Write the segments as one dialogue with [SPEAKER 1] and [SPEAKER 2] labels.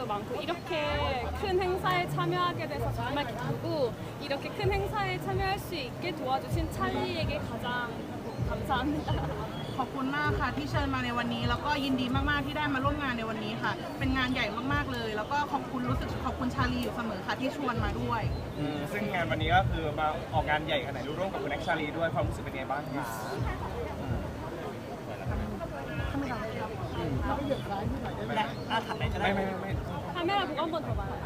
[SPEAKER 1] 것도 많고 이렇게 큰 행사에 참여하게 돼서 정말 기쁘고 이렇게 큰 행사에 참여할 수 있게 도와주신 찰리에게 가장 감사합니다.
[SPEAKER 2] ขอบคุณมากค่ะที่เชิญมาในวันนี้แล้วก็ยินดีมากๆที่ได้มาร่วมงานในวันนี้ค่ะเป็นงานใหญ่มากๆเลยแล้วก็ขอบคุณรู้สึกขอบคุณชาลีอยู่เสมอค่ะที่ชวนมาด้วย
[SPEAKER 3] ซึ่งงานวันนี้ก็คือมาออกงานใหญ่ขนาดนี้ร่วมกับคุณแน็กชาลีด้วยความรู้สึกเป็นไงบ้างคะ
[SPEAKER 4] ถัดไปก็ได้
[SPEAKER 3] ไม่
[SPEAKER 1] 카메라 보고 한 번 더 봐요.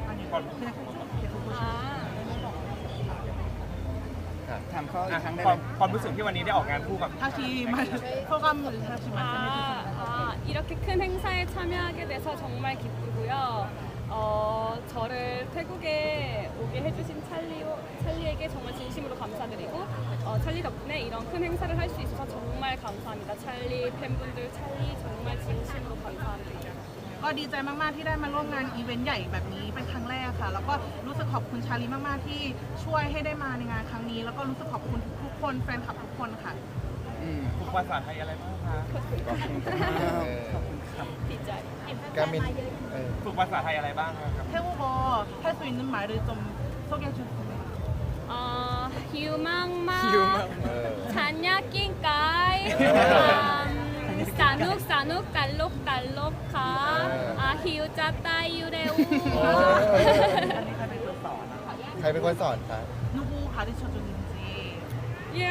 [SPEAKER 5] ถามเขาอีกครั้งได้
[SPEAKER 3] ค
[SPEAKER 5] ไห
[SPEAKER 3] วาม
[SPEAKER 5] ม
[SPEAKER 3] ความรู้สึกที่วันนี้ได้ออกงานคู่กับ
[SPEAKER 2] ทาชีมาโปรแกรมหรือทาชีมา
[SPEAKER 1] 이렇게 큰 행사에 참여하게 돼서 정말 기쁘고요. 저를 태국에 오게 해주신 찰리에게 정말 진심으로 감사드리고 찰리 덕분에 이런 큰 행사를 할 수 있어서 정말 감사합니다. 찰리 팬분들 찰리 정말 진심으로 감사합니다.
[SPEAKER 2] ก็ดีใจมากๆที่ได้มาร่วมงานอีเวนต์ใหญ่แบบนี้เป็นครั้งแรกค่ะแล้วก็รู้สึกขอบคุณชาลีมากๆที่ช่วยให้ได้มาในงานครั้งนี้แล้วก็รู้สึกขอบคุณทุกๆคนแฟนคลับทุกคนค่ะ
[SPEAKER 3] ฝึกภาษาไทยอะไรบ้างคะ
[SPEAKER 1] 디자이.
[SPEAKER 6] การมิน
[SPEAKER 3] ฝึกภาษาไทยอะไรบ้างครับ
[SPEAKER 2] 태국어 할 수 있는 말을 좀 소개해 주세요.
[SPEAKER 1] 휴망마 잔야 낑까이 사눅 달록달록카 히우자 따유레우
[SPEAKER 6] ใครเป็นคนสอนคะ
[SPEAKER 2] 누구 가르쳐 줬는지
[SPEAKER 1] 야,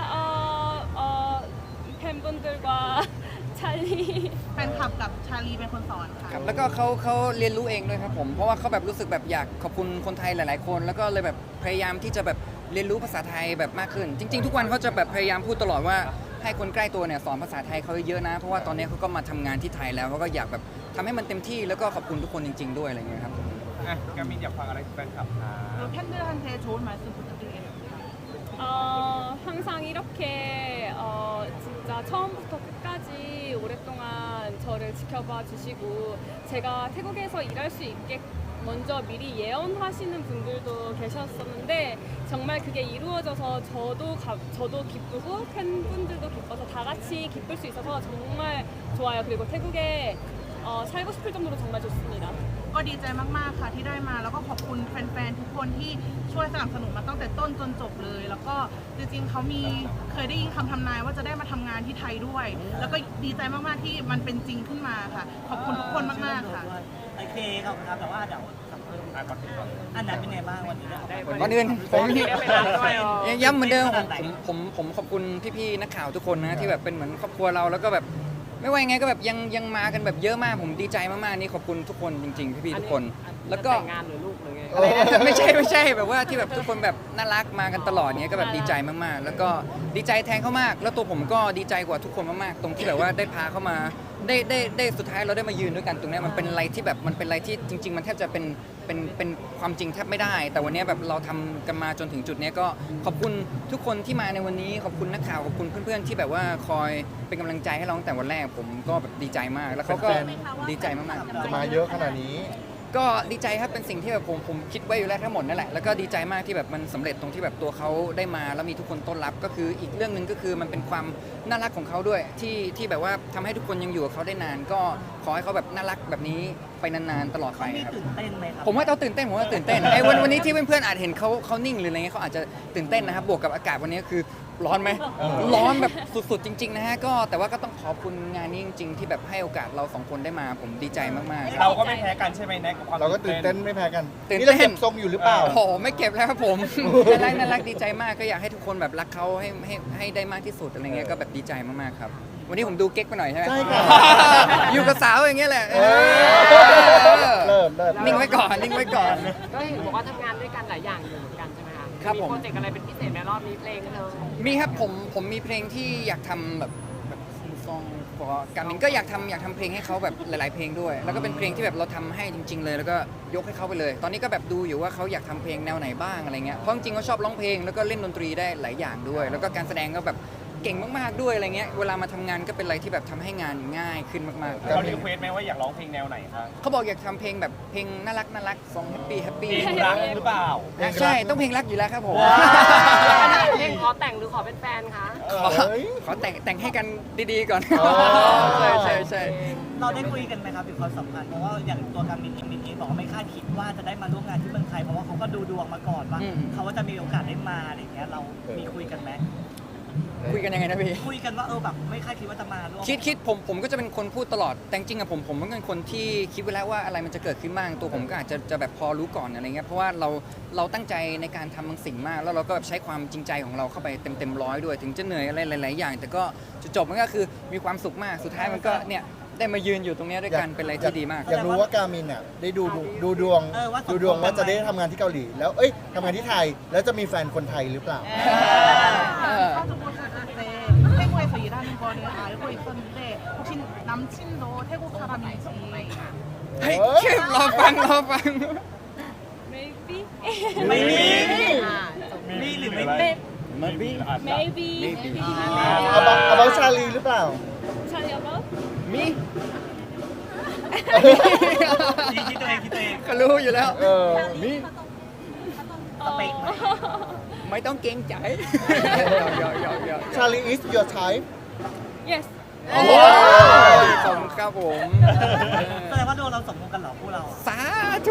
[SPEAKER 1] 팬분들과 찰리
[SPEAKER 2] แฟนคลับกับชาลีเป็นคนสอนค่ะ
[SPEAKER 5] ครับแล้วก็เขาเรียนรู้เองด้วยครับผมเพราะว่าเขาแบบรู้สึกแบบอยากขอบคุณคนไทยหลาย ๆ คน แล้วก็เลยแบบพยายามที่จะแบบเรียนรู้ภาษาไทยแบบมากขึ้น จริง ๆ ทุกวันเขาจะแบบพยายามพูดตลอดว่าให้คนใกล้ตัวเนี่ยสอนภาษาไทยเขาเยอะนะเพราะว่าตอนนี้เขาก็มาทำงานที่ไทยแล้วเขาก็อยากแบบทำให้มันเต็มที่แล้วก็ขอบคุณทุกคนจริง ๆ ด้วยอะไรเงี้ยครับ
[SPEAKER 3] การมินอยากฟังอะไรจากแฟนคลับคะ
[SPEAKER 2] 팬들한테 좋은 말씀 부탁드리겠습니다.
[SPEAKER 1] 항상 이렇게 진짜 처음부터 끝까지 오랫동안 저를 지켜봐 주시고 제가 태국에서 일할 수 있게 먼저 미리 예언하시는 분들도 계셨었는데 정말 그게 이루어져서 저도 기쁘고 팬분들도 기뻐서 다 같이 기쁠 수 있어서 정말 좋아요. 그리고 태국에 살고 싶을 정도로 정말 좋습니다.
[SPEAKER 2] ก็ดีใจมากๆค่ะที่ได้มาแล้วก็ขอบคุณแฟนๆทุกคนที่ช่วยสนับสนุนมาตั้งแต่ต้นจนจบเลย แล้วก็จริงๆเขาเคยได้ยินคำทำนายว่าจะได้มาทำงานที่ไทยด้วย แล้วก็ดีใจมากๆที่มันเป็นจริงขึ้นมาค่ะ ขอบคุณทุกคนมากๆค่ะ
[SPEAKER 4] โอเคขอบคุณครับแต่ว่าเดี๋ยวอันนั้นเป็นไงบ้างวันนี้ได้
[SPEAKER 5] ก่อนอื่นผมย้ำเหมือนเดิมผมขอบคุณพี่ๆนักข่าวทุกคนนะที่แบบเป็นเหมือนครอบครัวเราแล้วก็แบบไม่ว่ายังไงก็แบบยังมากันแบบเยอะมากผมดีใจมากๆนี่ขอบคุณทุกคนจริงๆพี่ๆทุกคนแล้วก็งานหรือลูกหรือไงไม่ใช่แบบว่าที่แบบทุกคนแบบน่ารักมากันตลอดเนี้ยก็แบบดีใจมากๆแล้วก็ดีใจแทนเขามากแล้วตัวผมก็ดีใจกว่าทุกคนมากๆตรงที่แบบว่าได้พาเขามาได้สุดท้ายเราได้มายืนด้วยกันตรงนี้มันเป็นอะไรที่แบบมันเป็นอะไรที่จริง ๆ มันแทบจะเป็นความจริงแทบไม่ได้ แต่วันนี้แบบเราทำกันมาจนถึงจุดนี้ก็ขอบคุณทุกคนที่มาในวันนี้ขอบคุณนักข่าวขอบคุณเพื่อนๆที่แบบว่าคอยเป็นกำลังใจให้เราตั้งแต่วันแรกผมก็แบบดีใจมากแล้วเขาก็ดีใจมากๆ
[SPEAKER 6] จะมาเยอะขนาดนี้
[SPEAKER 5] ก็ดีใจครับเป็นสิ่งที่แบบผมคิดไว้อยู่แล้วทั้งหมดนั่นแหละแล้วก็ดีใจมากที่แบบมันสำเร็จตรงที่แบบตัวเขาได้มาแล้วมีทุกคนต้อนรับก็คืออีกเรื่องหนึ่งก็คือมันเป็นความน่ารักของเขาด้วยที่แบบว่าทำให้ทุกคนยังอยู่กับเขาได้นาน ก็ขอให้เขาแบบน่ารักแบบนี้ไปนานๆตลอดไป
[SPEAKER 4] มี
[SPEAKER 5] ครับ
[SPEAKER 4] ตื่นเต้นไหมครับ
[SPEAKER 5] ผมว่าเขาตื่นเต้นไอ้วันนี้ที่เพื่อนๆอาจเห็นเขานิ่งหรืออะไรเงี้ยเขาอาจจะตื่นเต้นนะครับบวกกับอากาศวันนี้คือร้อนไหมร้อนแบบสุดๆจริงๆนะฮะก็แต่ว่าก็ต้องขอบคุณงานนี้จริงๆที่แบบให้โอกาสเราสองคนได้มาผมดีใจมากๆ
[SPEAKER 3] เราก็ไม่แพ้กันใช่ไหมแน็กกับความ
[SPEAKER 6] เราก็ตื่นเต้นไม่แพ้กัน
[SPEAKER 5] ตื่นเต้น
[SPEAKER 6] นี่เราเก็บทรงอยู่หรือเปล่า
[SPEAKER 5] โอ้โหไม่เก็บแล้วครับผม น่ารักดีใจมากก็อยากให้ทุกคนแบบรักเขาให้ได้มากที่สุดอะไรเงี้ยก็แบบดีใจมากๆครับวันนี้ผมดูเก๊กไปหน่อยใช่ไหม
[SPEAKER 6] ใช่ค่ะ
[SPEAKER 5] อยู่กับสาวอย่างเงี้ยแหละ
[SPEAKER 6] เริ่ม
[SPEAKER 5] นิ่งไว้ก่อน
[SPEAKER 7] ก็เห็นบอกว่าทำงานด้วยกันหลายอย่างอยู่เหมือนกันใช่ไหมคะ
[SPEAKER 5] ครับ
[SPEAKER 7] มี
[SPEAKER 5] ผม
[SPEAKER 7] โปรเจกต์อะไรเป็นพิเศษในรอบนี้เพลงเธอ
[SPEAKER 5] มีครับผมมีเพลงที่อยากทำแบบซองของการมินก็อยากทำเพลงให้เขาแบบหลาย ๆ เพลงด้วย แล้วก็เป็นเพลงที่แบบเราทำให้จริง ๆ เลย แล้วก็ยกให้เขาไปเลย ตอนนี้ก็แบบดูอยู่ว่าเขาอยากทำเพลงแนวไหนบ้างอะไรเงี้ยเพราะจริงๆเขาชอบร้องเพลงแล้วก็เล่นดนตรีได้หลายอย่างด้วย แล้วก็การแสดงก็แบบเก่งมากๆด้วยอะไรเงี้ยเวลามาทำงานก็เป็นอะไรที่แบบทำให้งานง่ายขึ้นมากๆ
[SPEAKER 3] เรารีเควสไหมว่าอยากร้องเพลงแนวไหนครับ
[SPEAKER 5] เขาบอกอยากทำเพลงแบบเพลงน่ารักซองแฮปปี้
[SPEAKER 3] เพลงรักหรือเปล่า
[SPEAKER 5] ใช่ต้องเพลงรักอยู่แล้วครับผม
[SPEAKER 7] เพลงขอแต่งหรือขอเป็นแฟนคะ
[SPEAKER 5] ขอแต่งให้กันดีๆก่อน
[SPEAKER 6] อ๋อ
[SPEAKER 5] ใช่
[SPEAKER 4] เราได้คุยกันไหมครับถึงความสัมพันธ์เพราะว่าอย่างตัวการมินเองบอกว่าไม่คาดคิดว่าจะได้มาร่วมงานที่เมืองไทยเพราะว่าเขาก็ดูดวงมาก่อนว่าเขาว่าจะมีโอกาสได้มาอะไรอย่างเงี้ยเรามีคุยกันไหม
[SPEAKER 5] คุยกันยังไงนะพี่
[SPEAKER 4] คุยกันว่าแบบไม่คาดคิดว่าจะมาร่วม
[SPEAKER 5] คิดผมก็จะเป็นคนพูดตลอดแต่จริงๆอะผมเป็นคนที่คิดไว้แล้วว่าอะไรมันจะเกิดขึ้นบ้างตัวผมก็อาจจะแบบพอรู้ก่อนอะไรเงี้ยเพราะว่าเราตั้งใจในการทำบางสิ่งมาก แล้วเราก็แบบใช้ความจริงใจของเราเข้าไปเต็มร้อยด้วยถึงจะเหนื่อยอะไรหลายๆอย่าง แต่ก็จุดจบมันก็คือมีความสุขมากสุดท้ายมันก็เนี่ยได้มายืนอยู่ตรงเนี้ยด้วยกันเป็นอะไรที่ดีมาก
[SPEAKER 6] อยากรู้ว่าการมินอ่ะได้ดูดวงว่าจะได้ทำงานที่เกาหลี แล้วทำงานที่ไทยแล้วจะมีแฟนคนไทยหรือเปล่า
[SPEAKER 2] 가족 오셨을 때 태국에서 일하는 거를 알고 있었는데 혹시 남친도 태국 사람인지
[SPEAKER 5] เฮ้ยรอฟัง
[SPEAKER 1] maybe
[SPEAKER 4] ไม่มี
[SPEAKER 7] อ่าจบ
[SPEAKER 4] มีหรือไม่
[SPEAKER 1] maybe
[SPEAKER 4] มี
[SPEAKER 1] maybe
[SPEAKER 6] about ชาลีหรือเปล่า
[SPEAKER 1] Charlie about
[SPEAKER 5] มี
[SPEAKER 4] คิดตัวเอง
[SPEAKER 5] ก็รู้อยู่แล้วมี
[SPEAKER 4] สเปคไหม
[SPEAKER 5] ไม่ต้องเกรงใจหยอก
[SPEAKER 6] ชาลี is your type
[SPEAKER 1] yes
[SPEAKER 5] โอ้ยขอบคุณครับผม
[SPEAKER 4] แสดงว่าดวงเราสมพงษ์กันเหรอพวกเราอะ
[SPEAKER 5] สาธุ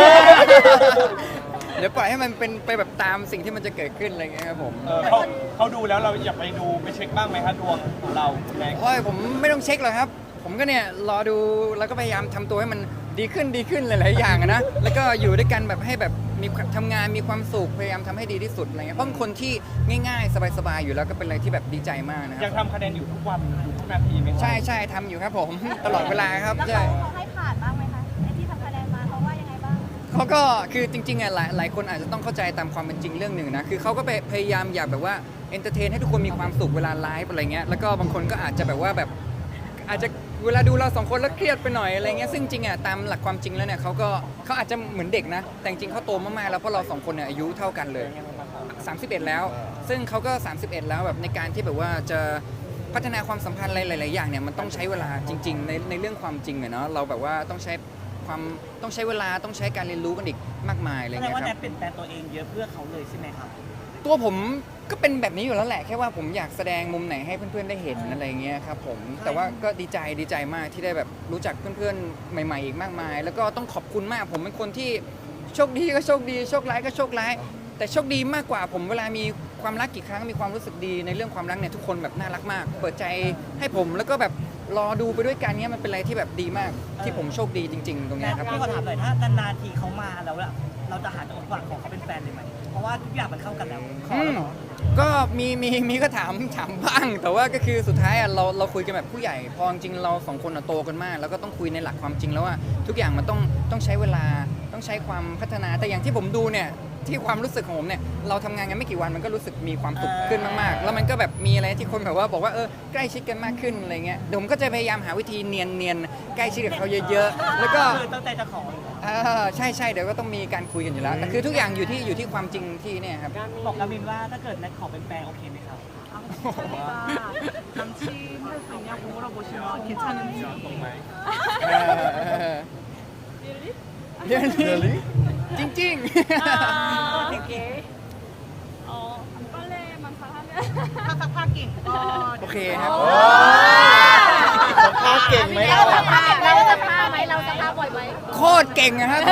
[SPEAKER 5] เดี๋ยวปล่อยให้มันเป็นไปแบบตามสิ่งที่มันจะเกิดขึ้นอะไรเงี้ยครับผม
[SPEAKER 3] เขาดูแล้วเราอยากไปดูไปเช็คบ้างไหมคะดวงของเราแม็ก
[SPEAKER 5] โอ้ยผมไม่ต้องเช็คหรอกครับ ผมก็เนี่ยรอดูแล้วก็พยายามทำตัวให้มันดีขึ้นหลายๆอย่างอะนะแล้วก็อยู่ด้วยกันแบบให้แบบมีทำงานมีความสุขพยายามทำให้ดีที่สุดอะไรเงี้ยเพราะเป็นคนที่ง่ายๆ สบายๆอยู่แล้วก็เป็นอะไรที่แบบดีใจมากนะค
[SPEAKER 3] ยั
[SPEAKER 5] รั
[SPEAKER 3] ง
[SPEAKER 5] บ
[SPEAKER 3] ทำคะแนนอยู่ทุกวันอยู่ทุกนาทีไหมคะ
[SPEAKER 5] ใช่ทำอยู่ครับผม ตลอดเวลาครับใช่
[SPEAKER 8] เขาให้ผ่านบ้างไหมคะไอ้ที่ทำคะแนนมาเขาว่ายังไงบ้าง
[SPEAKER 5] เขาก็คือจริงๆอ่ะหลายคนอาจจะต้องเข้าใจตามความเป็นจริงเรื่องหนึ่งนะคือเขาก็พยายามอยากแบบว่าเอนเตอร์เทนให้ทุกคนมีความสุขเวลาไลฟ์อะไรเงี้ยแล้วก็บางคนก็อาจจะแบบว่าแบบอาจจะเวลาดูเราสองคนแล้วเครียดไปหน่อยอะไรเงี้ยซึ่งจริงอ่ะตามหลักความจริงแล้วเนี่ยเขาอาจจะเหมือนเด็กนะแต่จริงเขาโตมากๆแล้วเพราะเราสองคนเนี่ยอายุเท่ากันเลย 31 แล้ว ซึ่งเขาก็ 31 แล้วแบบในการที่แบบว่าจะพัฒนาความสัมพันธ์อะไรหลายๆอย่างเนี่ยมันต้องใช้เวลาจริงๆในเรื่องความจริงอะเนาะเราแบบว่าต้องใช้เวลาต้องใช้การเรียนรู้กันอีกมากมายอะไร
[SPEAKER 4] แสดง
[SPEAKER 5] เงี้ย
[SPEAKER 4] ว่า
[SPEAKER 5] ค
[SPEAKER 4] แน
[SPEAKER 5] รับ
[SPEAKER 4] ทเปลี่ยนแปลงตัวเองเยอะเพื่อเขาเลยใช่ไหมครับ
[SPEAKER 5] ตัวผมก็เป็นแบบนี้อยู่แล้วแหละแค่ว่าผมอยากแสดงมุมไหนให้เพื่อนๆได้เห็นอะไรเงี้ยครับผมแต่ว่าก็ดีใจมากที่ได้แบบรู้จักเพื่อนๆใหม่ๆอีกมากมาย แล้วก็ต้องขอบคุณมากผมเป็นคนที่โชคดีก็โชคดีโชคร้ายก็โชคร้ายแต่โชคดีมากกว่าผมเวลามีความรักกี่ครั้งมีความรู้สึกดีในเรื่องความรักเนี่ยทุกคนแบบน่ารักมาก เปิดใจให้ผมแล้วก็แบบรอดูไปด้วยกันเนี่ยมันเป็นอะไรที่แบบดีมากที่ผมโชคดีจริงๆตรง
[SPEAKER 4] แน
[SPEAKER 5] เนี้ย
[SPEAKER 4] ท
[SPEAKER 5] ครับ
[SPEAKER 4] พี่ขอถามหน่อยถ้านานๆทีเขามาแล้วอะเราจะหาจังหวะของเขาเป็นแฟนเลยไหมเพราะว่าทุกอย่างมันเข้ากันแล้วขอแล้วเหรอ
[SPEAKER 5] ก็มีก็ถามบ้าง แต่ว่าก็คือสุดท้ายอ่ะเราคุยกันแบบผู้ใหญ่พอจริงๆเราสองคนอ่ะโตกันมาก แล้วก็ต้องคุยในหลักความจริงแล้วว่าทุกอย่างมันต้องใช้เวลาต้องใช้ความพัฒนาแต่อย่างที่ผมดูเนี่ยที่ความรู้สึกของผมเนี่ยเราทำงานกันไม่กี่วันมันก็รู้สึกมีความสุขขึ้นมากๆ แล้วมันก็แบบมีอะไรที่คนแบบว่าบอกว่าใกล้ชิดกันมากขึ้นอะไรเงี้ยเดี๋ยวผมก็จะพยายามหาวิธีเนียนใกล้ชิดกับเขาเยอะๆแล้วก็
[SPEAKER 4] คือตั้งใจจะขออยู่แล้ว
[SPEAKER 5] ใช่เดี๋ยวก็ต้องมีการคุยกันอยู่แล้วแต่คือทุกอย่างอยู่ที่ความจริงที่เนี่ยครับ
[SPEAKER 4] บอกกามินว่าถ้าเกิดแนทขอเป็นแฟนโอเคไหมครับ
[SPEAKER 2] 찰리가 남친 할 수 있냐고 물어보시면 괜찮은지
[SPEAKER 5] เรื่องนี้จริง
[SPEAKER 1] 빨래만 잘하면
[SPEAKER 2] 삭삭하긴
[SPEAKER 5] ๆ โอเคครับ
[SPEAKER 6] สัมภาษณ์เก่งไหม
[SPEAKER 8] เรา
[SPEAKER 6] ล่ะ
[SPEAKER 8] จะพาไหมเราจะพาบ่อยไหม
[SPEAKER 5] โคตรเก่งอะครับ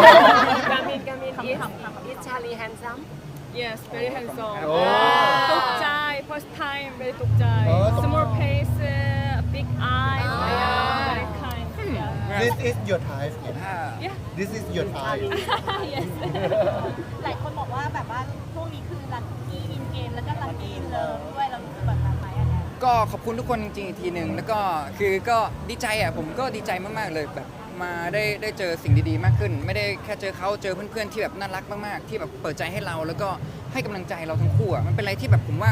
[SPEAKER 7] is Charlie handsome
[SPEAKER 1] yes very handsome
[SPEAKER 6] โอ้
[SPEAKER 1] 독자이 first time very 독자이 small face big eyes yeah very kind yeah
[SPEAKER 6] this is your type
[SPEAKER 1] yeah
[SPEAKER 6] this is your type
[SPEAKER 1] yes
[SPEAKER 8] หลายคนบอกว่าแบบว่าช่วงนี้คือลัคกี้อินเกมแล้วก็ลัคกี้อินเลิฟด้วยเรารู้สึกแบบนั้นไหมอันเนี้ย
[SPEAKER 5] ก็ขอบคุณทุกคนจริงๆอีกทีหนึ่งแล้วก็คือก็ดีใจอ่ะผมก็ดีใจมากๆเลยแบบมาได้เจอสิ่งดีๆมากขึ้น ไม่ได้แค่เจอเขาเจอเพื่อนๆที่แบบน่ารักมากๆที่แบบเปิดใจให้เราแล้วก็ให้กำลังใจเราทั้งคู่อ่ะมันเป็นอะไรที่แบบผมว่า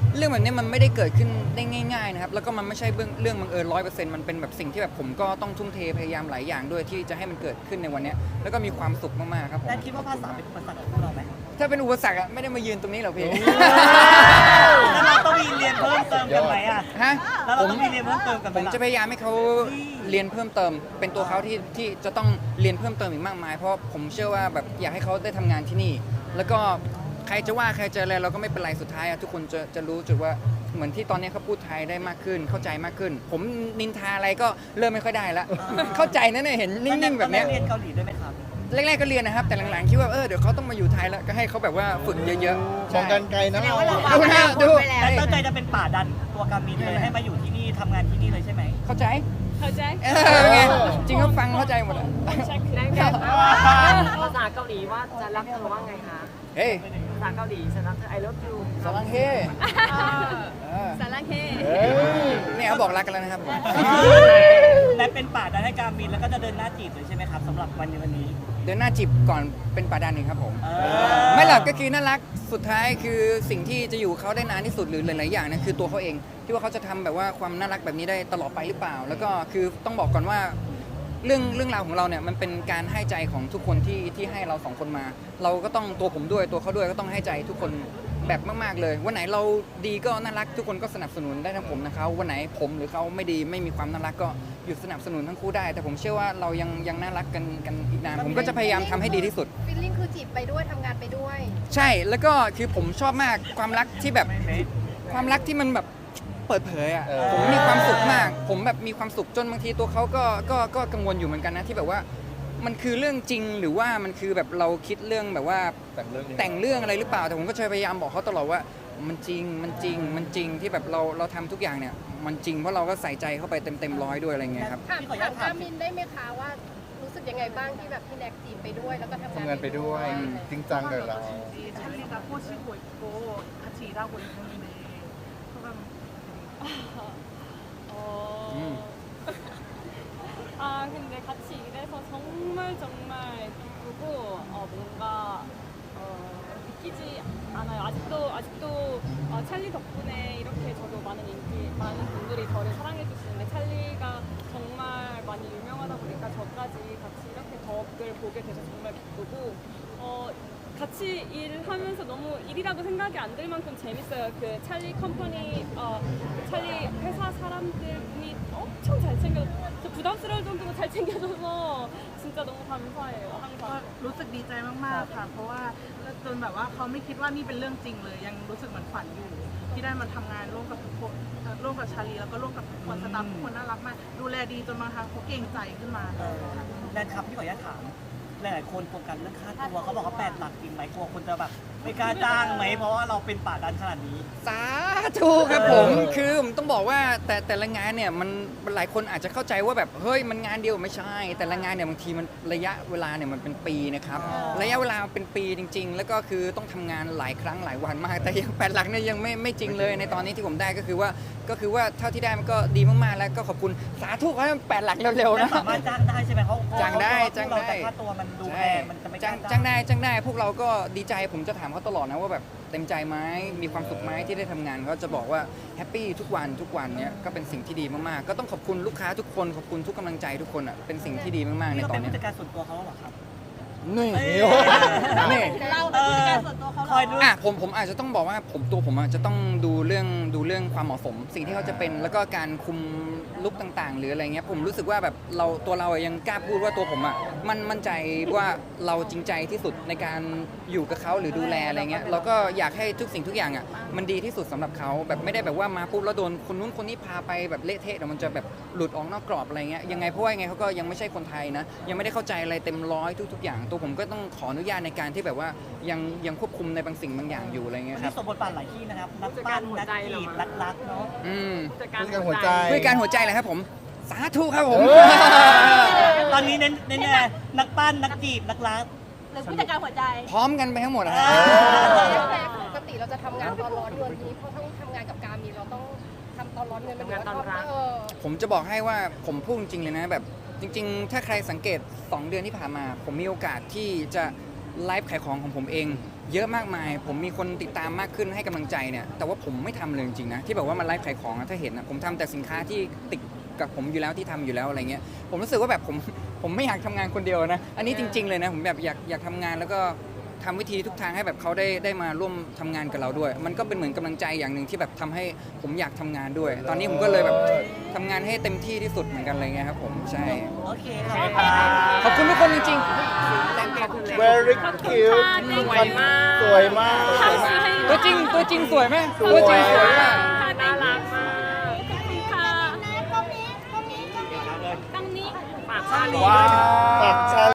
[SPEAKER 5] เรื่องแบบนี้มันไม่ได้เกิดขึ้นได้ง่ายๆนะครับแล้วก็มันไม่ใช่เรื่องบังเอิญ100%มันเป็นแบบสิ่งที่แบบผมก็ต้องทุ่มเทพยายามหลายอย่างด้วยที่จะให้มันเกิดขึ้นในวันเนี้ยแล้วก็มีความสุขมากๆครับผม
[SPEAKER 4] แนทคิดว่าภาษาเป็นอุปสรรคของพวกเราไหม
[SPEAKER 5] ถ้าเป็นอุปสรรคอะไม่ได้มายืนตรงนี้หรอกพี่
[SPEAKER 4] แล้วเราต้องมีเรียนเพิ่มเติมกันไหมอ่ะ
[SPEAKER 5] ฮะ
[SPEAKER 4] แล้วเราต้องมีเรียนเพิ่มเติมกันไห
[SPEAKER 5] ผม ม
[SPEAKER 4] ล่ะ
[SPEAKER 5] จะพยายามให้เขาเรียนเพิ่มเติม เป็นตัวเขาที่จะต้องเรียนเพิ่มเติมอีกมากมาย เพราะผมเชื่อว่าแบบอยากให้เขาได้ทำงานที่นี่ แล้วก็ใครจะว่าใครจะอะไรเราก็ไม่เป็นไรสุดท้ายอะทุกคนจะรู้จุดว่าเหมือนที่ตอนนี้เขาพูดไทยได้มากขึ้น เข้าใจมากขึ้น ผมนินทาอะไรก็เริ่มไม่ค่อยได้ละเข้าใจนะเนี่ยเห็นนิ่งๆแบบเนี้ย
[SPEAKER 4] เรียนเกาหลีด้วยไหมครับ
[SPEAKER 5] แรกๆก็เรียนนะครับแต่หลังๆคิดว่าเดี๋ยวเขาต้องมาอยู่ไทยแล้วก็ให้เขาแบบว่าฝึกเยอะๆ
[SPEAKER 6] มองกันไกลนะ
[SPEAKER 8] แสดงว่าเราวาง
[SPEAKER 5] ดู
[SPEAKER 8] อ
[SPEAKER 5] นะ
[SPEAKER 8] นาค
[SPEAKER 5] ดู
[SPEAKER 8] ตไว้แล้ว
[SPEAKER 4] แต่ตั้งใจจะเป็นป่าดันตัวกามินเลยให้มาอยู่ที่นี่ทำงานที่นี่เลยใช่ไหม
[SPEAKER 5] เข้าใจ
[SPEAKER 1] เข้าใจ
[SPEAKER 5] ไงจริงก็ฟังเข้าใจหมดอะ
[SPEAKER 1] ใช่คือ
[SPEAKER 7] ได้ไหมภาษาเกาหลีว่าจะรักเธอว่าไงคะ
[SPEAKER 5] เฮ้ย
[SPEAKER 7] ภาษาเกาหลีฉันรักเธอ I love you
[SPEAKER 5] สลังเฮ
[SPEAKER 1] สารังเฮ
[SPEAKER 5] เนี่ยเขาบอกรักกันแล้วนะครับผม
[SPEAKER 4] และเป็นป่าดันให้กามินแล้วก็จะเดินหน้าจีบเลยใช่ไหมครับสำหรับวันนี้
[SPEAKER 5] เดินหน้าจีบก่อนเป็นป่าดันเองครับผม
[SPEAKER 4] เออ
[SPEAKER 5] ไม่หลับก็คือน่ารักสุดท้ายคือสิ่งที่จะอยู่เขาได้นานที่สุดหรือหลายๆอย่างนั่นคือตัวเขาเองที่ว่าเขาจะทำแบบว่าความน่ารักแบบนี้ได้ตลอดไปหรือเปล่า แล้วก็คือต้องบอกก่อนว่าเรื่องราวของเราเนี่ยมันเป็นการให้ใจของทุกคนที่ให้เราสองคนมา เราก็ต้องตัวผมด้วยตัวเขาด้วยก็ต้องให้ใจทุกคนแบบมากๆเลยวันไหนเราดีก็น่ารักทุกคนก็สนับสนุนได้ทั้งผมนะครับวันไหนผมหรือเขาไม่ดีไม่มีความน่ารักก็หยุดสนับสนุนทั้งคู่ได้ แต่ผมเชื่อว่าเรายังน่ารักกันอีกนานผมก็จะพยายามทำให้ดีที่สุด
[SPEAKER 8] ฟีลลิ่งคือจีบไปด้วยทำงานไปด้วย
[SPEAKER 5] ใช่แล้วก็คือผมชอบมากความรักที่แบบความรักที่มันแบบเปิดเผยอ่ะผมมีความสุขมาก ผมแบบมีความสุขจนบางทีตัวเขาก็กังวลอยู่เหมือนกันนะที่แบบว่ามันคือเรื่องจริงหรือว่ามันคือแบบเราคิดเรื่องแบบว่าแต่งเรื่องอะไรหรือเปล่าแต่ผมก็จะพยายามบอกเขาตลอดว่ามันจริงที่แบบเราทำทุกอย่างเนี่ยมันจริงเพราะเราก็ใส่ใจเข้าไปเต็มร้อยด้วยอะไรเงี้ยครับ
[SPEAKER 8] ถามกามินได้ไหมคะว่ารู้สึกยังไงบ้างที่แบบพี่แน็กจีบไปด้วยแล้วก็ทำ
[SPEAKER 6] ทำงานไปด้วยจริงจังกับเรา
[SPEAKER 2] 찰리가 꼬시고 있고 같이 일하고 있는데 소감
[SPEAKER 1] 근데 같이 일해서 정말 기쁘고 뭔가 믿기지 않아요. 아직도 찰리 덕분에 이렇게 저도 많은 분들이 저를 사랑해 주시는데 찰리가 정말 많이 유명하다 보니까 저까지 같이 이렇게 덕을 보게 돼서 정말 기쁘고 같이 일하면서 너무 일이라고 생각이 안 들 만큼 재밌어요. 그 찰리 컴퍼니, 찰리 회사 사람들이 엄청 잘 챙겨, 저 부담스러울 정도로 잘 챙겨줘서 진짜 너무 감사해요.
[SPEAKER 2] ก็
[SPEAKER 1] 항상.
[SPEAKER 2] รู้สึกดีใจมากๆค่ะ เพราะว่าจนแบบว่าเขาไม่คิดว่านี่เป็นเรื่องจริงเลย ยังรู้สึกเหมือนฝันอยู่ที่ได้มาทำงานร่วมกับทุกคนร่วมกับชาลีแล้วก็ร่วมกับทุกคนสตาฟทุกคนน่ารักมากดูแลดีจนบางครั้งเขาเกรงใจขึ้นมา
[SPEAKER 4] แนทครับพี่ขออนุญาตถามหลายๆคนโฟกัสเรื่องค่าตัวเขาบอกว่า8 หลักจริงไหมกลัวคนจะแบบไม่กล้าจ้างไหมเพราะว่าเราเป็นป่าดันขนาดนี้
[SPEAKER 5] สาธุครับผมคือผมต้องบอกว่าแต่ละงานเนี่ยมันหลายคนอาจจะเข้าใจว่าแบบเฮ้ยมันงานเดียวไม่ใช่ แต่ละงานเนี่ยบางทีมันระยะเวลาเนี่ยมันเป็นปีนะครับระยะเวลาเป็นปีจริง ๆ แล้วก็คือต้องทำงานหลายครั้งหลายวันมาก แต่ยัง8 หลักเนี่ยยังไม่จริงเลยในตอนนี้ที่ผมได้ก็คือว่าเท่าที่ได้มันก็ดีมากๆแล้วก็ขอบคุณสาธุขอให้มัน8 หลักเร็วๆนะ
[SPEAKER 4] สามารถจ้างได้ใช่ไหมเขา
[SPEAKER 5] จ้างได้
[SPEAKER 4] เราแต่ค่าตัวมันดูแพงมันจะไม่กล้า
[SPEAKER 5] จ้างได้พวกเราก็ดีใจผมจะถามเขาตลอดนะว่าแบบเต็มใจไหมมีความสุขไหมที่ได้ทำงานเขาจะบอกว่าแฮปปี้ทุกวันเนี้ยก็เป็นสิ่งที่ดีมากๆก็ต้องขอบคุณลูกค้าทุกคนขอบคุณทุกกำลังใจทุกคนอ่ะเป็นสิ่งที่ดีมากๆใน
[SPEAKER 4] นี่ก็
[SPEAKER 5] ตอ
[SPEAKER 4] เป็น น
[SPEAKER 5] เนี้
[SPEAKER 4] ผู้
[SPEAKER 5] ย
[SPEAKER 4] จัดการส่วนตัวเขาเหรอครับ
[SPEAKER 5] นี่ นี่
[SPEAKER 8] เราเป็นผู้จัดการส่วนตัวเขาเหร
[SPEAKER 4] คอยดู
[SPEAKER 5] อ่ะผมอาจจะต้องบอกว่าผมอาจจะต้องดูเรื่องความเหมาะสม สิ่งที่เขาจะเป็นแล้วก็การคุมลุคต่างๆ หรืออะไรเงี้ยผมรู้สึกว่าแบบตัวเรายังกล้าพูดว่าตัวผมอ่ะมั่นใจว่าเราจริงใจที่สุดในการอยู่กับเขาหรือดูแลอะไรเงี้ยเราก็อยากให้ทุกสิ่งทุกอย่างอ่ะมันดีที่สุดสำหรับเขาแบบไม่ได้แบบว่ามาปุ๊บแล้วโดนคนนู้นคนนี้พาไปแบบเละเทะเดี๋ยวมันจะแบบหลุดออกนอกกรอบอะไรเงี้ยยังไงเพราะว่ายังไงเขาก็ยังไม่ใช่คนไทยนะยังไม่ได้เข้าใจอะไรเต็มร้อยทุกๆอย่างตัวผมก็ต้องขออนุญาตในการที่แบบว่ายังควบคุมในบางสิ่งบางอย่างอยู่อะไรเงี้ย
[SPEAKER 4] วัน
[SPEAKER 5] ครั
[SPEAKER 4] นี้
[SPEAKER 5] บ
[SPEAKER 4] สมบทบาทหลายที่นะครับนักปั้นนักจีบรักเนาะ
[SPEAKER 7] ผู้จัดการ
[SPEAKER 6] ผู้จัดการหัวใจ
[SPEAKER 5] ด้วยการหัวใจเลยครับผมสาธุครับผม
[SPEAKER 4] ตอนนี้เน้นนักปั้นนักจีบนักรัก
[SPEAKER 8] หรือผู้จัดการหัวใจ
[SPEAKER 5] พร้อมกันไปทั้งหมดนะฮะ
[SPEAKER 8] แต่ปกติเราจะทำงานตอนร้อนเดือนนี้เพราะต้องทำงานกับการมีเราต้องทำตอนร้อนเงินมันเหมือนว่า
[SPEAKER 5] ผมจะบอกให้ว่าผมพูดจริงๆเลยนะแบบจริงๆ ถ้าใครสังเกต2 เดือนที่ผ่านมา ผมมีโอกาสที่จะไลฟ์ขายของของผมเองเยอะมากมายผมมีคนติดตามมากขึ้นให้กำลังใจเนี่ยแต่ว่าผมไม่ทำเลยจริงๆนะที่แบบว่ามันไลฟ์ขายของถ้าเห็นนะผมทำแต่สินค้าที่ติดกับผมอยู่แล้วที่ทำอยู่แล้วอะไรเงี้ยผมรู้สึกว่าแบบผมไม่อยากทำงานคนเดียวนะอันนี้จริงๆเลยนะผมแบบอยากทำงานแล้วก็ทำวิธีทุกทางให้แบบเขาได้มาร่วมทำงานกับเราด้วย มันก็เป็นเหมือนกำลังใจอย่างหนึ่งที่แบบทำให้ผมอยากทำงานด้วย ตอนนี้ผมก็เลยแบบทำงานให้เต็มที่ที่สุดเหมือนกันอะไรเงี้ยครับผมใช่
[SPEAKER 4] โอเค
[SPEAKER 5] ขอบคุณทุกคนจริง
[SPEAKER 6] very
[SPEAKER 1] ขอบคุณ
[SPEAKER 6] cute
[SPEAKER 1] ค่ะ
[SPEAKER 7] สวยมาก
[SPEAKER 6] สวยมาก
[SPEAKER 5] ๆตัวจริงสวยไหมตัวจริงสวยมาก
[SPEAKER 7] น่ารักมาก
[SPEAKER 1] ขอบคุณค่ะ
[SPEAKER 8] ตรงนี้
[SPEAKER 1] ตั้งนี้
[SPEAKER 7] ฝากชาลี
[SPEAKER 6] ว้า
[SPEAKER 7] ด้วยนะ
[SPEAKER 6] ว